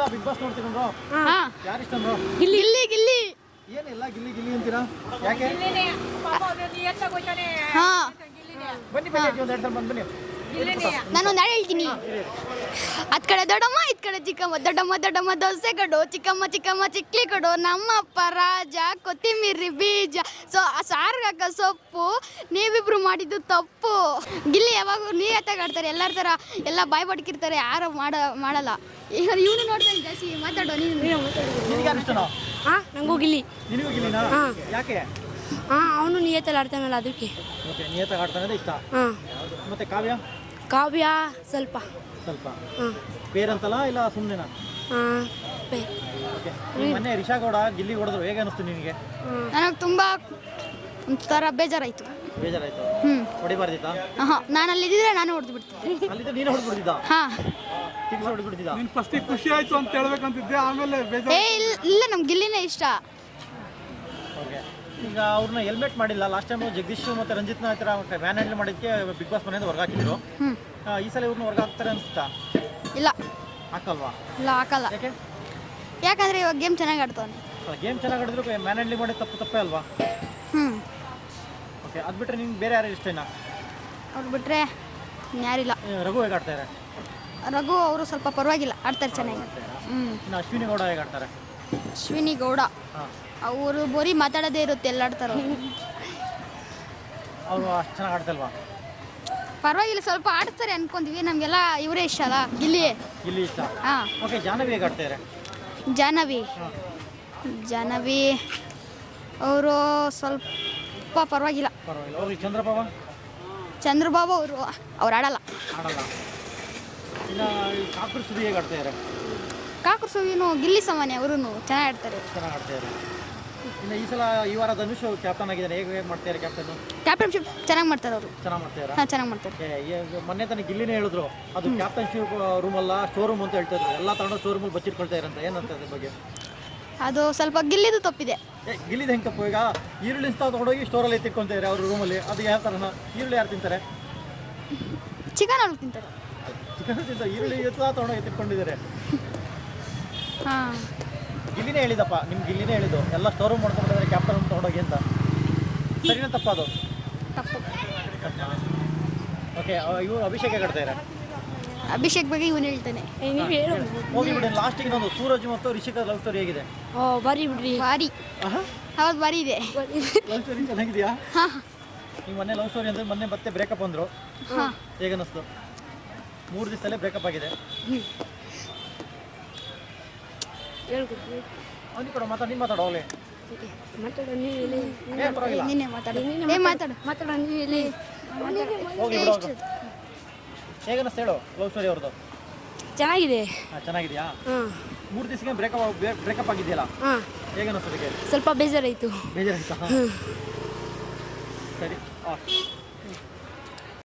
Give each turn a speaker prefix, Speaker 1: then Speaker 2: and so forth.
Speaker 1: Big boss ನೋಡ್ತೀರಾ
Speaker 2: ಹಾ
Speaker 1: ಯಾರು ಇಷ್ಟ ಬ್ರೋ?
Speaker 2: ಗಿಲ್ಲಿ ಗಿಲ್ಲಿ
Speaker 1: ಏನಿಲ್ಲ ಗಿಲ್ಲಿ ಗಿಲ್ಲಿ ಅಂತೀರಾ ಯಾಕೆ?
Speaker 2: ಹಾ
Speaker 1: ಬನ್ನಿ ಬನ್ನಿ ಒಂದು 2 ಸಲ ಬನ್ನಿ.
Speaker 2: ನಾನೊಂದು ಹಾಡು ಹೇಳ್ತೀನಿ. ಅದ್ ಕಡೆ ದೊಡ್ಡಮ್ಮ ಇದ್ ಕಡೆ ಚಿಕ್ಕಮ್ಮ, ದೊಡ್ಡಮ್ಮ ದೊಡ್ಡಮ್ಮ ದೋಸೆ ಕಡು, ಚಿಕ್ಕಮ್ಮ ಚಿಕ್ಕಮ್ಮ ಚಿಕ್ಲಿ ಕಡು, ನಮ್ಮಪ್ಪ ರಾಜ ಕೊತ್ತಿಮೀರಿ ಬೀಜ ಸಾರ್ಗೆ ಹಾಕೋ ಸೊಪ್ಪು, ನೀವಿಬ್ರು ಮಾಡಿದ್ದು ತಪ್ಪು. ಗಿಲ್ಲಿ ಯಾವಾಗ ನೀಯತ್ತಾಗಿ ಆಡ್ತಾರೆ, ಎಲ್ಲರ ಥರ ಎಲ್ಲ ಬಾಯ್ ಬಡ್ಕಿರ್ತಾರೆ, ಯಾರು ಮಾಡಲ್ಲ. ಈಗ ಇವನು ನೋಡ್ತಾನೆ ಜಾಸ್ತಿ. ಮಾತಾಡೋ ನೀನು.
Speaker 1: ನಿನಗೆ ಯಾರು ಇಷ್ಟನೋ?
Speaker 3: ನಂಗೂ ಗಿಲ್ಲಿ.
Speaker 1: ನಿನಗೂ ಗಿಲ್ಲಿನಾ? ಯಾಕೆ?
Speaker 3: ಅವನು ನಿಯತ್ತಲ್ಲಿ ಆಡ್ತಾನಲ್ಲ ಅದಕ್ಕೆ.
Speaker 1: ಓಕೆ, ನಿಯತ್ತಾಗಿ ಆಡ್ತಾನೆ ಇಷ್ಟ. ಮತ್ತೆ
Speaker 3: ಕಾವ್ಯ ಸ್ವಲ್ಪ
Speaker 1: ಬೇರಂತಲ್ಲ ಇಲ್ಲ ಸುಮ್ಮನೆನಾ? ಓಕೆ, ಮೊನ್ನೆ ರಿಷಾ ಗೌಡ ಗಿಲ್ಲಿ ಹೊಡೆದ್ರು, ಹೇಗೆ ಅನಿಸ್ತು ನಿನಗೆ?
Speaker 2: ನನಗೆ ತುಂಬ ಒಂಥರ ಬೇಜಾರಾಯಿತು.
Speaker 1: ಬೇಜಾರಾಯ್ತು? ಹೊಡಿಬಾರ್ದಿತ್ತಾ?
Speaker 2: ನಾನು ಅಲ್ಲಿದ್ದರೆ ನಾನು ಹೊಡೆದು ಬಿಡ್ತೀನಿ.
Speaker 1: ಅಲ್ಲಿದ್ದ ನೀನು ಹೊಡೆದ್ಬಿಡ್ತಿದ್ದ?
Speaker 2: ಹಾಂ,
Speaker 1: ಹೊಡೆದ್ಬಿಡ್ತಿದ್ದ.
Speaker 4: ನೀನು ಫಸ್ಟಿಗೆ ಖುಷಿ ಆಯ್ತು ಅಂತ ಹೇಳ್ಬೇಕಂತಿದ್ದೆ, ಆಮೇಲೆ ಬೇಜಾರು.
Speaker 2: ಇಲ್ಲ ನಮ್ಗೆ ಗಿಲ್ಲಿನೇ ಇಷ್ಟ.
Speaker 1: ಓಕೆ, ಈಗ ಅವ್ರನ್ನ ಹೆಲ್ಮೆಟ್ ಮಾಡಿಲ್ಲ. ಲಾಸ್ಟ್ ಟೈಮ್ ಜಗದೀಶ್ ಮತ್ತು ರಂಜಿತ್ನ ಹತ್ರ ವ್ಯಾನ್ ಹ್ಯಾಂಡಲ್ ಮಾಡಿದ್ದಕ್ಕೆ ಬಿಗ್ ಬಾಸ್ ಮನೆಯಿಂದ ಹೊರಗೆ ಹಾಕಿದ್ರು. ಈ ಸಲ ಇವ್ರನ್ನ ಹೊರಗೆ ಹಾಕ್ತಾರೆ ಅನ್ಸುತ್ತಾ?
Speaker 2: ಇಲ್ಲ
Speaker 1: ಹಾಕಲ್ವಾ?
Speaker 2: ಇಲ್ಲ ಹಾಕಲ್ಲ. ಯಾಕಂದ್ರೆ ಇವಾಗ ಗೇಮ್ ಚೆನ್ನಾಗಿ ಆಡ್ತಾನೆ.
Speaker 1: ಗೇಮ್ ಚೆನ್ನಾಗಿ ಆಡಿದ್ರು ವ್ಯಾನ್ ಹ್ಯಾಂಡಲ್ ಮಾಡಿ ತಪ್ಪೇ ಅಲ್ವಾ? ಓಕೆ, ಅದು ಬಿಟ್ಟರೆ ನಿಮ್ಗೆ ಬೇರೆ ಯಾರು ಇಷ್ಟನಾ?
Speaker 2: ಅವ್ರು ಬಿಟ್ಟರೆ ಯಾರಿಲ್ಲ.
Speaker 1: ರಘು ಹೇಗೆ ಆಡ್ತಾರೆ?
Speaker 2: ರಘು ಅವರು ಸ್ವಲ್ಪ ಪರವಾಗಿಲ್ಲ, ಆಡ್ತಾರೆ ಚೆನ್ನಾಗಿ.
Speaker 1: ಇನ್ನು ಅಶ್ವಿನಿ ಗೌಡ ಹೇಗೆ ಆಡ್ತಾರೆ?
Speaker 2: ಅಶ್ವಿನಿ ಗೌಡ ಅವರು ಬರೀ ಮಾತಾಡೋದೇ ಇರುತ್ತೆ, ಎಲ್ಲ ಆಡ್ತಾರೆ.
Speaker 1: ಅವರು ಅಷ್ಟು ಚೆನ್ನಾಗಿ ಆಡ್ತಲ್ವಾ?
Speaker 2: ಪರವಾಗಿಲ್ಲ, ಸ್ವಲ್ಪ ಆಡ್ತಾರೆ ಅನ್ಕೊಂತೀವಿ. ನಮಗೆಲ್ಲ ಇವರೇ ಇಷ್ಟ ಅಲ್ಲ, ಗಿಲ್ಲಿ
Speaker 1: ಇಷ್ಟ.
Speaker 2: ಹಾಂ.
Speaker 1: ಓಕೆ, ಜಾಹ್ನವಿ ಹೇಗೆ ಆಡ್ತಾರೆ?
Speaker 2: ಜಾಹ್ನವಿ ಅವರು ಸ್ವಲ್ಪ ಪರವಾಗಿಲ್ಲ.
Speaker 1: ಹೋಗ್ಲಿ.
Speaker 2: ಚಂದ್ರಬಾಬು ಅವ್ರು ಆಡಲ್ಲ.
Speaker 1: ಇನ್ನು ಕಾಕೂರ್ ಸುದಿ ಹೇಗೆ ಆಡ್ತಾರೆ?
Speaker 2: ಕಾಕೂರ್ ಸುದಿನೂ ಗಿಲ್ಲಿ ಸಾಮಾನ್ಯ, ಅವರು ಚೆನ್ನಾಗಿ ಆಡ್ತಾರೆ.
Speaker 1: ಇನ್ನು ಈ ಸಲ ಈ ವಾರ ಧನುಷ್ ಕ್ಯಾಪ್ಟನ್ ಆಗಿದ್ದಾರೆ, ಹೇಗೆ ಮಾಡ್ತಾರೆ ಕ್ಯಾಪ್ಟನ್?
Speaker 2: ಕ್ಯಾಪ್ಟನ್ಶಿಪ್ ಚೆನ್ನಾಗಿ ಮಾಡ್ತಾರೆ ಅವರು.
Speaker 1: ಚೆನ್ನಾಗಿ ಮಾಡ್ತಾರೆ.
Speaker 2: ಹಾಂ, ಚೆನ್ನಾಗಿ ಮಾಡ್ತಾರೆ.
Speaker 1: ಮೊನ್ನೆ ತನಕ ಗಿಲ್ಲಿನೇ ಹೇಳಿದ್ರು, ಅದು ಕ್ಯಾಪ್ಟನ್ಶಿಪ್ ರೂಮ್ ಅಲ್ಲ, ಸ್ಟೋರ್ ರೂಮ್ ಅಂತ ಹೇಳ್ತಾ ಇದ್ರು. ಎಲ್ಲ ತಗೊಂಡು ಸ್ಟೋರ್ ರೂಮಲ್ಲಿ ಬಚ್ಚಿಟ್ಕೊಳ್ತಾ ಇರಂತ. ಏನಂತ ಅದ್ರ ಬಗ್ಗೆ?
Speaker 2: ಅದು ಸ್ವಲ್ಪ ಗಿಲ್ಲಿದು ತಪ್ಪಿದೆ.
Speaker 1: ಗಿಲ್ಲಿದು ಹೆಂಗೆ ತಪ್ಪು? ಈಗ ಈರುಳ್ಳಿ ತಗೊಂಡೋಗಿ ಸ್ಟೋರಲ್ಲಿ ಎತ್ತಿಟ್ಕೊಳ್ತಾರೆ ಅವ್ರ ರೂಮಲ್ಲಿ. ಅದು ಯಾವ ಥರನ? ಈರುಳ್ಳಿ ಯಾರು ತಿಂತಾರೆ?
Speaker 2: ಚಿಕನ್ ಅವ್ರು ತಿಂತಾರೆ.
Speaker 1: ಚಿಕನ್ ತಿಂತಾರೆ, ಈರುಳ್ಳಿ ತಗೊಂಡೋಗಿ ಎತ್ತಿಟ್ಕೊಂಡಿದ್ದಾರೆ.
Speaker 2: ಹಾಂ,
Speaker 1: ಗಿಲ್ಲಿನೇ ಹೇಳಿದಪ್ಪ, ನಿಮ್ಗೆ ಗಿಲ್ಲಿನೇ ಹೇಳಿದ್ದು ಎಲ್ಲ ಸ್ಟೋರ್ ರೂಮ್ ಮಾಡ್ಕೊಂಡಿದ್ದಾರೆ ಕ್ಯಾಪ್ಟನ್ ರೂಮ್ ತೊಗೊಂಡೋಗಿ ಅಂತ. ಸರಿನಾ ತಪ್ಪ ಅದು?
Speaker 2: ತಪ್ಪು.
Speaker 1: ಓಕೆ, ಇವರು ಅಭಿಷೇಕ್ ಹೇಗೆ ಆಡ್ತಾರೆ?
Speaker 2: ಅಭಿಷೇಕ್ ಬಗ್ಗೆ ಇವನು ಹೇಳ್ತಾನೆ.
Speaker 1: ಹೋಗಿ ಬಿಡಿ. ಲಾಸ್ಟಿಗೆ ಇನ್ನೊಂದು ಸೂರಜ್ ಮತ್ತು ರಿಷಿಕಾ ಲವ್ ಸ್ಟೋರಿ ಹೇಗಿದೆ?
Speaker 3: ಬಾರಿ ಬಿಡ್ರಿ.
Speaker 2: ಹೌದು, ಬಾರಿ ಇದೆ.
Speaker 1: ಲವ್ ಸ್ಟೋರಿ ಚೆನ್ನಾಗಿದೆಯಾ? ನೀವು ಮೊನ್ನೆ ಲವ್ ಸ್ಟೋರಿ ಅಂದರೆ ಮೊನ್ನೆ ಮತ್ತೆ ಬ್ರೇಕಪ್ ಅಂದರು, ಹೇಗೆ ಅನ್ನಿಸ್ತು? 3 ದಿವಸದಲ್ಲೇ ಬ್ರೇಕಪ್ ಆಗಿದೆ. ಅವ್ನಿಗೆ ಕೂಡ ಮಾತಾಡಿ, ನೀನು ಮಾತಾಡೋ. ಅವಲೇ
Speaker 2: ನೀನೇ ಮಾತಾಡು.
Speaker 1: ಹೋಗಿ ಬಿಡೋ. ಹೇಗೆ ಅನ್ನಿಸ್ತು ಹೇಳು ಲವ್ ಸ್ಟೋರಿ ಅವ್ರದ್ದು?
Speaker 3: ಚೆನ್ನಾಗಿದೆ.
Speaker 1: ಚೆನ್ನಾಗಿದೆಯಾ? 3 ದಿವಸಕ್ಕೆ ಬ್ರೇಕಪ್ ಆಗಿದೆಯಲ್ಲ, ಹೇಗೆ ಅನ್ನಿಸ್ತದಕ್ಕೆ?
Speaker 3: ಸ್ವಲ್ಪ ಬೇಜಾರಾಯಿತು.
Speaker 1: ಬೇಜಾರಾಯ್ತಾ? ಸರಿ.